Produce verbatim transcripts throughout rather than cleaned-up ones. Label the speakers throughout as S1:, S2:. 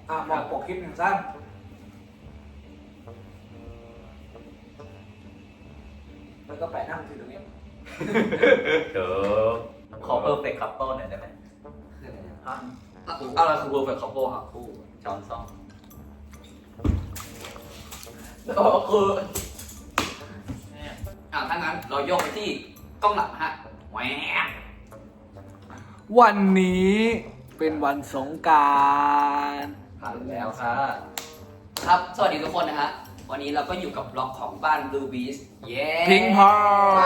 S1: อ่ะมองปกคลิปหนึ่งสั้นแล้วก็แปะหน้ามือถือตรงนี้
S2: เดี๋ยวขอเพิ่มเป็นคัพเปิลหน่อยได้ไหม
S3: ฮะอะไรคือ perfect couple ครับ
S2: คู่ช้อนซ่อม
S3: ก็คืออ่ะถ้างั้นเราโยกไปที่กล้องหลังฮะแหวก
S1: วันนี้เป็นวันสงกรานต์
S3: ผ่านแล้วครับครับสวัสดีทุกคนนะฮะวันนี้เราก็อยู่กับบล็อกของบ้าน Blue Beast เย้
S1: พิงพอ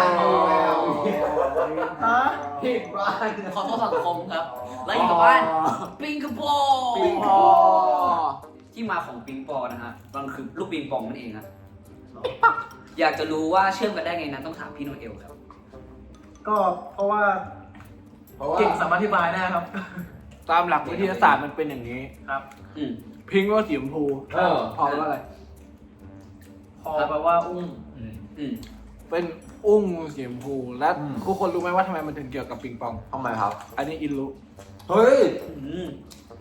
S2: ฮะผิดบ้าน
S3: ขอโทษสังคมครับแล้วอยู่กับบ้านปิงกโป
S1: พิงพอ
S3: ที่มาของปิงปองนะฮะมันคือลูกปิงปองนั่นเองครับอยากจะรู้ว่าเชื่อมกันได้ไงนั้นต้องถามพี่โนเอลครับ
S4: ก็เพราะว่า
S2: เพราะว่า
S4: เก่งสามารถอธิบายได้ครับ
S1: ตามหลักวิทยาศาสตร์มันเป็นอย่างนี้
S4: ครับ
S3: อืม
S1: พิงว่าสีชมพู
S2: เออ
S1: พอว่าอะไร
S4: พอแปลว่าอุ้ง
S2: อืม
S3: อืม
S1: เป็นอุ้งสีชมพู และ
S2: อืม
S1: ทุกคนรู้ไหมว่าทำไมมันถึงเกี่ยวกับปิงปอง
S2: ทำไมครับ
S1: อันนี้อินรู้
S2: เฮ้ย
S3: อืม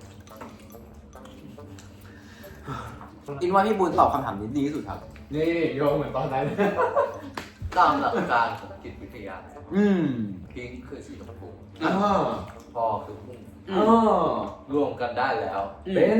S2: อินว่าพี่บุญตอบคำถามนี้ดีที่สุดครับ
S5: นี่โยงเหมือนตอนนั้น
S2: ตามหลักการของจิตวิทยาอืมพิงค์คือสีชมพูอ่าพอคือพุ่ง
S3: อื
S2: อ๋อ
S3: ม
S2: รวมกันได้แล้ว
S3: อืม
S2: เป็น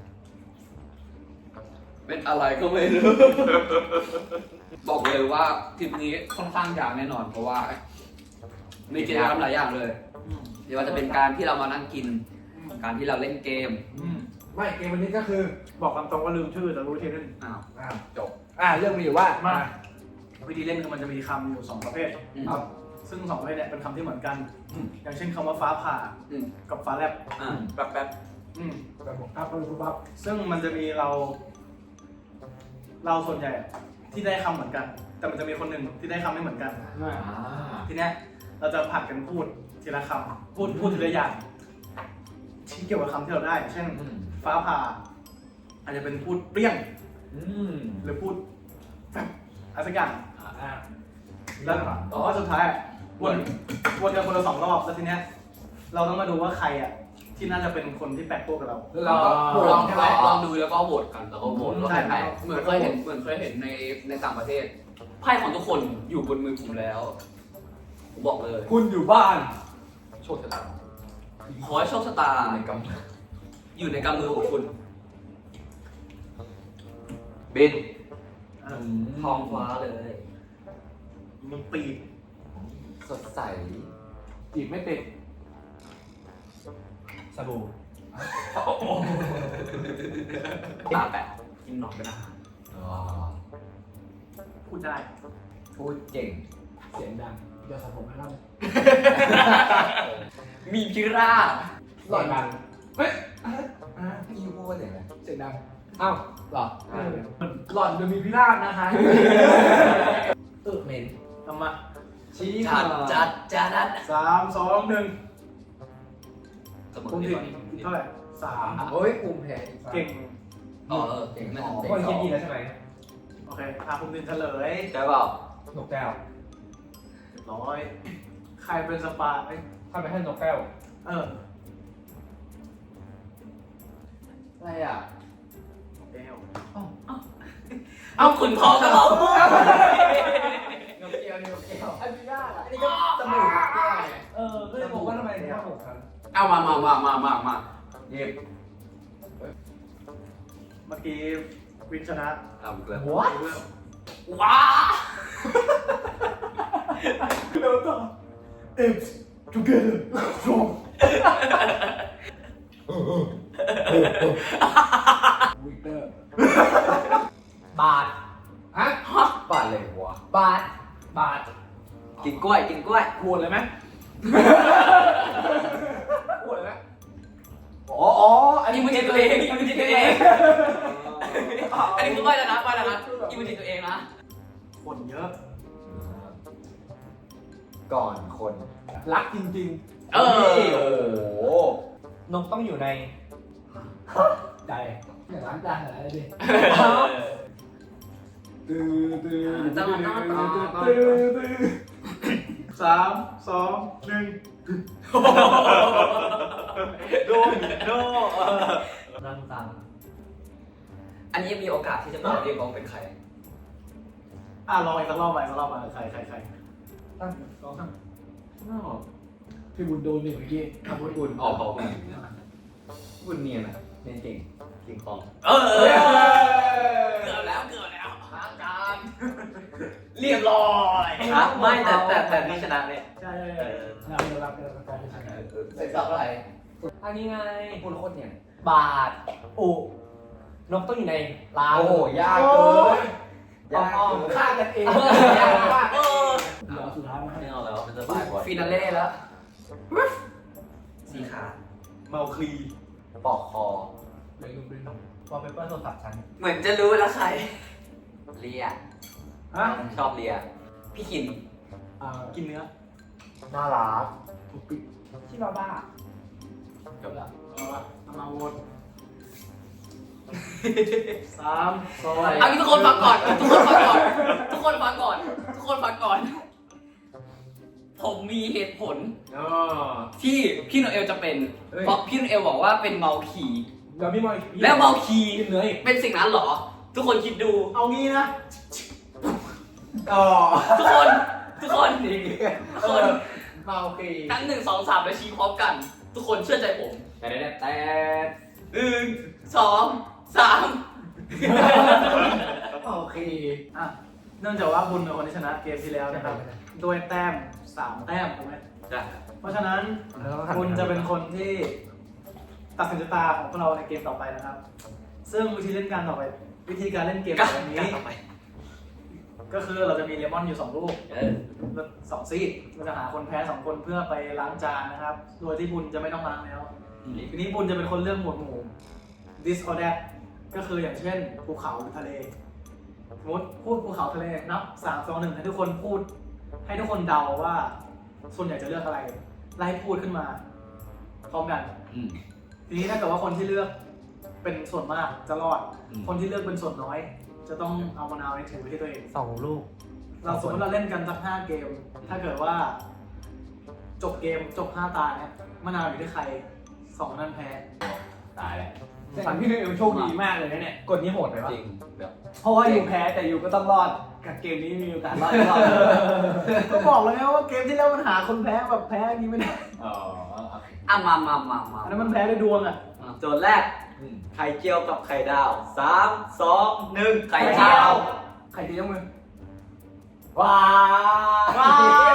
S3: เป็นอะไรก็ไม่รู้ บอกเลยว่าทริปนี้ค่อนข้างยาวแน่นอน เพราะว่ามีกิจกรรมหลายอย่างเลยไม่ว่าจะเป็นการที่เรามานั่งกิน การที่เราเล่นเกม
S1: ไม่เกมวันนี้ก็คือ
S4: บอกคำตรงว่าลืมชื่อแต่รู้ทีนึง
S3: อ้าว
S1: อ่า
S2: จบ
S1: อ่าเรื่องมีอยู่ว่า
S4: มา วิธีเล่นคือมันจะมีคำอยู่สองประเภท
S3: อืม
S4: ครับซึ่งสองประเภทเนี่ยเป็นคำที่เหมือนกัน
S1: อืม
S4: อย่างเช่นคำว่าฟ้าผ่า
S3: อืม
S4: กับฟ้าแลบ
S3: อ่า
S2: แป๊บแป๊บ
S4: อืม
S1: แบบบอกครับปุ๊บปั๊บ
S4: ซึ่งมันจะมีเรา เราส่วนใหญ่ที่ได้คำเหมือนกัน แต่มันจะมีคนหนึ่งที่ได้คำไม่เหมือนกัน
S2: อ่า
S4: ทีเนี้ยเราจะผัดกันพูดทีละคำพูดพูดทีละอย่างที่เกี่ยวกับคำที่เราได้ เช่น
S2: อืม
S4: ฟ้าผ่า อาจจะเป็นพูดเปรี้ยง
S2: อืม
S4: หรือพูดแบบอะไรสักอย่าง
S1: อ่า
S4: แล้วอ๋อสุดท้ายอะวนวนกันคนละสองรอบแล้วทีเนี้ยเราต้องมาดูว่าใครอ่ะที่น่าจะเป็นคนที่แปลกตัวกับเรา
S3: เราลอง
S2: ใช่ไหม
S3: ลองดูแล้วก็โหวตกันแล้วก็โหวตว่า
S4: ใช่
S3: ใครเหมือนเคยเห็นเหมือนเคยเห็นในในต่างประเทศไพ่ของทุกคนอยู่บนมือผมแล้วผมบอกเลย
S1: คุณอยู่บ้าน
S2: โชคชะตา
S3: ขอให้โชคชะตา
S2: ในก
S3: อยู่ในกำมือของคุณ
S2: ำบิน
S4: เออ
S3: ท้องฟ้าเลย
S4: มีปีก
S2: สดใส
S1: จีบไม่ติด
S5: สบู่
S3: ตาแปะกินหนอนเป็นอาหาร
S2: อ๋อ
S4: พูดได้
S2: พูดเก่ง
S1: เสียงดังเดี๋ยวสระผมให้เรา
S3: มีพิราบ
S1: หล่อนดังเฮ้ย
S2: พี่พูดว่าอย่างไร
S1: เสียงดังอ้าวหรอ
S2: อ่า
S1: หล่อนจะมีพิราบนะคะ
S2: เออเมน
S4: ทำมา
S1: ชี้
S3: จัดจัดจัด
S4: สามสองหนึ่ง
S3: เสมอ
S4: คุณ
S3: ดี
S4: ผิ
S3: ก
S4: ด
S3: ว่า
S4: เท่าไหร่สาม
S2: โอ้ยภูมิแพ้
S4: เก่ง
S3: อ๋อเออเก่งไม่ทัน
S5: คนคิดดีแล้วใช่ไหม
S4: โอเคพาคุณดินเฉลย
S2: ใช่เปล่า
S5: นกแก้ว
S4: เรียบร้อย ใครเป็นสปาเอ้ย
S5: ถ้าไม่ให้นกแก้ว
S4: เออ
S2: อะไรอ่ะ
S4: แก้ว
S3: เอาขุนทองกับเรา
S2: นกแก้วนี่นกแก้วอันนี้ยากอ่ะอันนี้ก็จมูกนกแก้วไง
S5: เออก็เลยบอกว่าทำไมถึงหกครั้ง
S3: เอามามามามามามา
S2: เย็บ
S4: เมื่อกี้วินชนะ
S3: เอาอีกแล้ว
S2: What
S4: เรื่อง
S3: ว้า
S4: แล้วต่อ It's together strong
S1: วิกเตอร์
S2: บาท
S1: ฮะ
S2: บาทเลยวะบาท
S1: บาท
S3: กินกล้วยกินกล้วย
S1: พูดเลยไหมพูดเลยไหม
S2: อ๋ออ๋ออัน
S3: อิ
S2: นี้
S3: ม
S2: ไม่
S3: จิ
S2: ใช่
S3: ต
S2: ตั
S3: ตัว ว
S2: เอ
S3: เอง งอิมจิตตัวเอง อันนี้คือไหวแล้วนะไหวแล้วนะอิมจิตตัวเองนะ
S4: คนเยอะ
S2: ก่อนคน
S1: รักจริง
S3: เออ
S2: โอ้โห
S5: นกต้องอยู่ใน
S1: ๆ ใจอย่างล้างจานอะไรดิตื้อตื้อตื้อตื้อตื้อตื้อ
S4: สามสองหนึ่ง
S3: โดนโด
S5: ร่างตัง
S3: อันนี้มีโอกาสที่จะบอกเรียกว่าเป็นใคร
S4: อ่ะลองอีกสักรอบใหม่สักรอบใหม่ใครใครใคร
S5: ตั้งลองตั้ง
S1: พี่บุญโดนหนึ่งเมื่อกี้
S2: อ่ะบุญบุญ
S3: ออกเขาไป
S2: บุญเนียนอ่ะเนียนเก่งเก่งของ
S3: เออเกือบแล้วเกือบแล้วทางการเรียบร้อย
S2: ครับไม่แต่แต่แต่นี่ชนะเนี่ย
S4: ใช่ใช่
S2: เอ
S4: ใช่
S2: อ
S5: เราเรารับเรารับการเป็นชนะ
S2: เสร็จสับอะไร
S5: อันนี้ไง
S2: คุณโคตรเนี่ย
S5: บาทอุนกต้องอยู่ในรัง
S2: โอ้โหยากเกินยาก
S5: อ้อม
S2: เกิน
S5: ฆ่ากันเอง
S3: ยากมากเออ
S1: เหลือสุดท้ายมาให้
S2: ไม่เอาแล้วมันจะบ่ายกว่า
S3: ฟินาเล่แล้วสีขา
S4: เมาคลี
S2: ปอกคอ
S1: เลยลงไปหนึ่ง
S5: วอลเปเปอร์โทรศัพท์ฉัน
S3: เหมือนจะรู้แล้วใครเลีย
S4: ฮะ
S2: ชอบเลีย
S3: พี่คิน
S1: อ่า
S4: กินเนื้อ
S2: น่ารัก
S1: ถูกปิด
S5: ที่บ้าบ้า
S2: จบแล้ว
S4: เอาละเอามาโหวตสามสอง
S3: เอางี้ทุกคนฟังก่อนทุกคนฟังก่อนทุกคนฟังก่อนทุกคนฟังก่อน ผมมีเหตุผล
S2: อ๋อ
S3: ที่พี่โนเอลจะเป็น เพราะพี่โนเอลบอกว่าเป็นเมาคี
S5: เดี๋ยวพี่มอย
S3: แล้วเมาคี
S5: กินเนื้ออีก
S3: เป็นสิ่งนั้นเหรอ ทุกคนคิดดู
S4: เอางี้นะ
S2: อ๋อ
S3: ทุกคน ทุกคนทุกคน
S2: เมาคี
S3: ทั้งหนึ่งสองสามและชี้พร้อมกัน ทุกคนเชื่อใจผม
S2: แต่แต่แต่
S3: หนึ่งสองสาม
S2: เมาคี
S4: อ่ะเนื่องจากว่าบุญเป็นคนที่ชนะเกมที่แล้วนะครับโดยแต้มสามแต้มถูกไหม
S2: จ้ะ
S4: เพราะฉะนั้นคุณจะเป็นคนที่ตัดสินชะตาของพวกเราในเกมต่อไปนะครับ ซึ่งวิธีเล่นการต่อไป วิธีการเล่นเกม
S3: กัน
S4: แบบนี้
S3: ต่อไป
S4: ก็คือเราจะมีเลมอนอยู่สองลูก
S3: เออ
S4: สองซีดเราจะหาคนแพ้สองคนเพื่อไปล้างจานนะครับ โดยที่บุญจะไม่ต้องล้างแล้ว ทีนี้บุญจะเป็นคนเลือกหมวดหมู่ this or that ก็คืออย่างเช่นภูเขาหรือทะเลสมมติพูดภูเขาทะเลนับสามสองหนึ่งให้ทุกคนพูด ให้ทุกคนเดาว่าส่วนใหญ่จะเลือกอะไร ไล่พูดขึ้นมา พร้อมกัน
S3: อืม
S4: ทีนี้ถ้าเกิดว่าคนที่เลือกเป็นส่วนมากจะรอด
S3: อืม
S4: คนที่เลือกเป็นส่วนน้อย จะต้องเอามะนาวในถือไว้ที่ตัวเอง
S5: สองลูก
S4: เราสมมติเราเล่นกันสักห้าเกม ถ้าเกิดว่า จบเกมจบห้าตาเนี่ยมะนาวอยู่ที่ใครสองนั่นแพ้
S2: ตายแล้ว
S5: แต่พี่นิวโชคดีมากเลยนะเนี่ยกดนี้โหดไปปะ
S2: จริงแบบ
S1: เพราะว่าอยู่แพ้แต่อยู่ก็ต้องรอดกับเกมนี้มีโอกาสรอดรอด
S4: ก็บอกแล้วไงว่าเกมที่แล้วมันหาคนแพ้แบบแพ้อย่างนี้ไม่ได้
S2: อ๋อ
S3: อ่ะมามามามา
S4: อันนั้นมันแพ้ด้วยดวงอ่ะ
S2: โจทย์แรกไข่เจียวกับไข่ดาวสามสองหนึ่ง
S3: ไข่เจียว
S1: ใครจะยกมือ
S2: ว้า
S4: ว้าว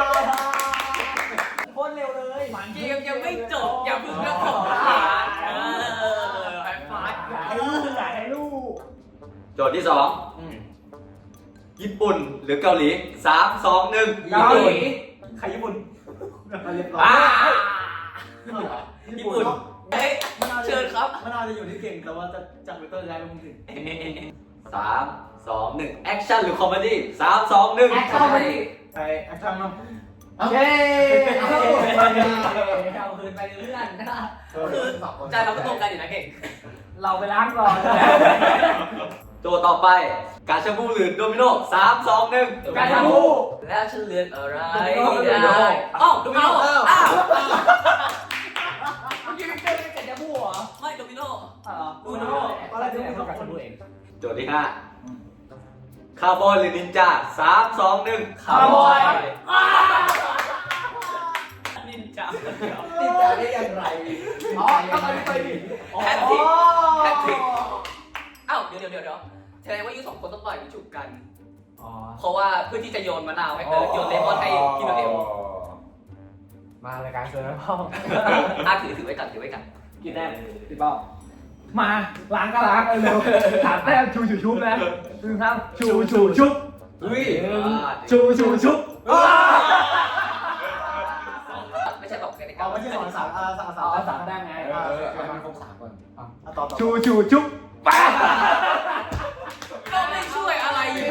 S5: โคตรเร็วเลย
S3: เกมยังไม่จบอย่าเพิ่งเลือกของทหารเออไอ้ฟาด
S5: อย่าให้ลูกอย่าให้ลูก
S2: โจทย์ที่สองญี่ปุ่นหรือเกาหลีสามสองหนึ่ง
S3: เกาหลี
S4: ใครญี่ปุ่นเรียบร้อย
S3: อ่า
S4: ญี่
S3: ญี่
S4: ปุ่
S3: ปุ่
S4: น
S3: นเฮ้ยเชิญครับ
S4: มะนาวจะอยู่ที่เก่งแต่ว่าจะจากวิเตอร์ย้ายไปมุมถึง
S2: สามสองหนึ่งแอคชั่นหรือคอมเมดี้สามสองหนึ่ง
S3: แอคชั่น
S4: ไปแอคชั่นเนาะ
S5: เย้
S4: เอา
S5: เอาคืนไปเรื่อน
S3: คือใจเราก็ตรงกันอยู่นะเก่ง
S5: เราไปล้างก่อน
S2: โจทย์ต่อไปกาชาบูหรือโดมิโนสามสองหนึ่ง
S5: การทำผู้
S3: แล้วฉันเลือนอะไร
S5: โดมิโน
S3: ได้อ้าวโดมิโนอ้าว
S5: เมื่อกี้พี่เจอเป็นการทำผู้เหรอ
S3: ไม่โดมิโน
S5: อ๋อ
S3: โดมิโน
S5: ตอนแรกจะเป็นการทำผู้เอง
S2: โจทย์ที่ห้าคาร์บอนหรือนินจาสามสองหนึ่ง
S3: คาร์บอยนินจา
S5: ติดใจได้อย่างไรอ๋อต้องไปไปดิ
S3: แฮตทริกแฮตทริกอ้าวเดี๋ยวเดี๋ยวเดี๋ยวแสดงว่ายูสองคนต้องต่อยฉุกกัน
S5: อ๋อ
S3: เพราะว่าเพื่อที่จะโยนมะนาวให้เออโยนเลมอนให้พี่โนเอล
S5: มารายการเจอแล้วพ่อ
S3: อ่ะถือถือไว้ก่อนถือไว้ก่อน
S5: กินแน่
S1: พี่เป้า
S5: มาล้างก็ล้างเร็วถามแต้มชูชูชุบนะชูครับชูชูชุบ
S2: อุ้ย
S5: ชูชูชุบ
S3: ไม่ใช่บอกกันในกา
S4: เอา
S3: ร
S4: ไม่ใช่สอนสามอาสาม
S5: เอา
S4: สาม
S5: สามแต้มไง
S1: เออเออเอามันครบสามก่อน
S4: เอาต่อต่อ
S5: ชูชูชุบป้า
S3: ก็ไม่ช่วยอะไรอยู่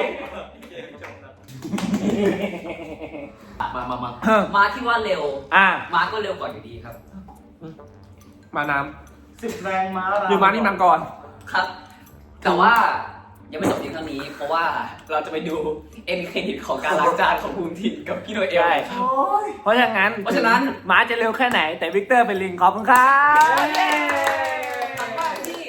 S2: มามามา
S3: มาที่ว่าเร็ว
S5: อ่ะ
S3: มาก็เร็วก่อนอยู่ดีครับ
S5: มาน้
S4: สิบแรงม้า
S5: ำหรือมานี่นำก่อน
S3: ครับ แต่ว่ายังไม่จบเพียงเท่านี้ เพราะว่าเราจะไปดูเอ็นเครดิตของการล้างจานของภูมิถิ่นกับพี่โนเอล
S5: ใช่
S4: โอ้ย
S5: เพราะฉะนั้น
S3: เพราะฉะนั้น
S5: ม้าจะเร็วแค่ไหนแต่วิกเตอร์เป็นลิงขอบคุณครับ
S3: ทางบ้านที่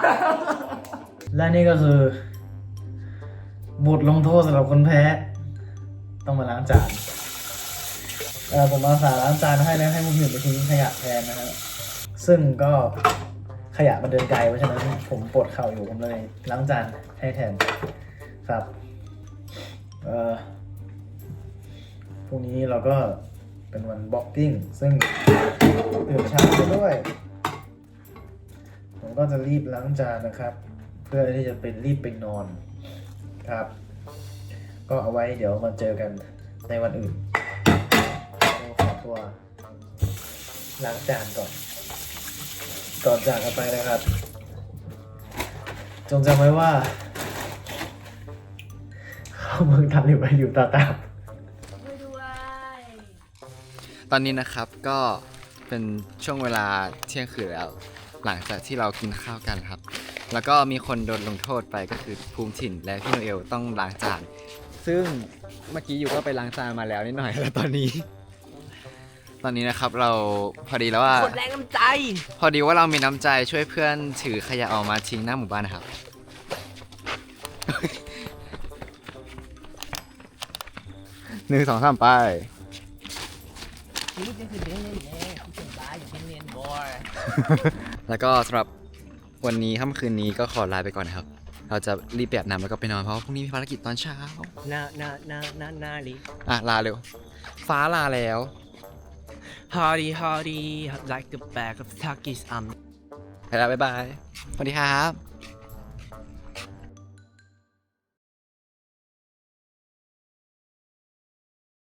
S4: และนี่ก็คือบทลงโทษสำหรับคนแพ้ ต้องมาล้างจานเออผมอาสาล้างจานให้แล้วให้มุมหนึ่งไปทิ้งขยะแทนนะครับซึ่งก็ขยะมันเดินไกลเพราะฉะนั้นผมปวดเข่าอยู่ผมเลยล้างจานให้แทนครับเออพรุ่งนี้เราก็เป็นวันบ็อกกิ้งซึ่งตื่นเช้าไปด้วย ผมก็จะรีบล้างจานนะครับ เพื่อที่จะเป็นรีบไปนอนครับ ก็เอาไว้เดี๋ยวมาเจอกันในวันอื่นขอตัวล้างจานก่อน ก่อนจากกันไปนะครับ จงจำไว้ว่า เข้าเมืองทันหรือไปอยู่ตาตาม
S6: ตอนนี้นะครับก็เป็นช่วงเวลาเที่ยงคืนแล้ว หลังจากที่เรากินข้าวกันครับ แล้วก็มีคนโดนลงโทษไปก็คือภูมิถิ่นและพี่โนเอลต้องล้างจานซึ่งเมื่อกี้อยู่ก็ไปล้างจานมาแล้วนิดหน่อยแล้วตอนนี้ ตอนนี้นะครับเราพอดีแล้วว่าคนแรงน้ำใจ พอดีว่าเรามีน้ำใจช่วยเพื่อนถือขยะออกมาทิ้งหน้าหมู่บ้านนะครับ หนึ่งสองสามไป แล้วก็สำหรับวันนี้ค่ำคืนนี้ก็ขอลาไปก่อนนะครับ เราจะรีบแบบน้ำแล้วก็ไปนอนเพราะว่าพรุ่งนี้มีภารกิจตอนเช้า
S7: นานานานานาลิ
S6: อ่ะ ลาเร็ว ฟ้าลาแล้ว
S7: Hardy Hardy like the back of Turkish um
S6: ไปแล้วบ๊ายบาย สวัสดีครับ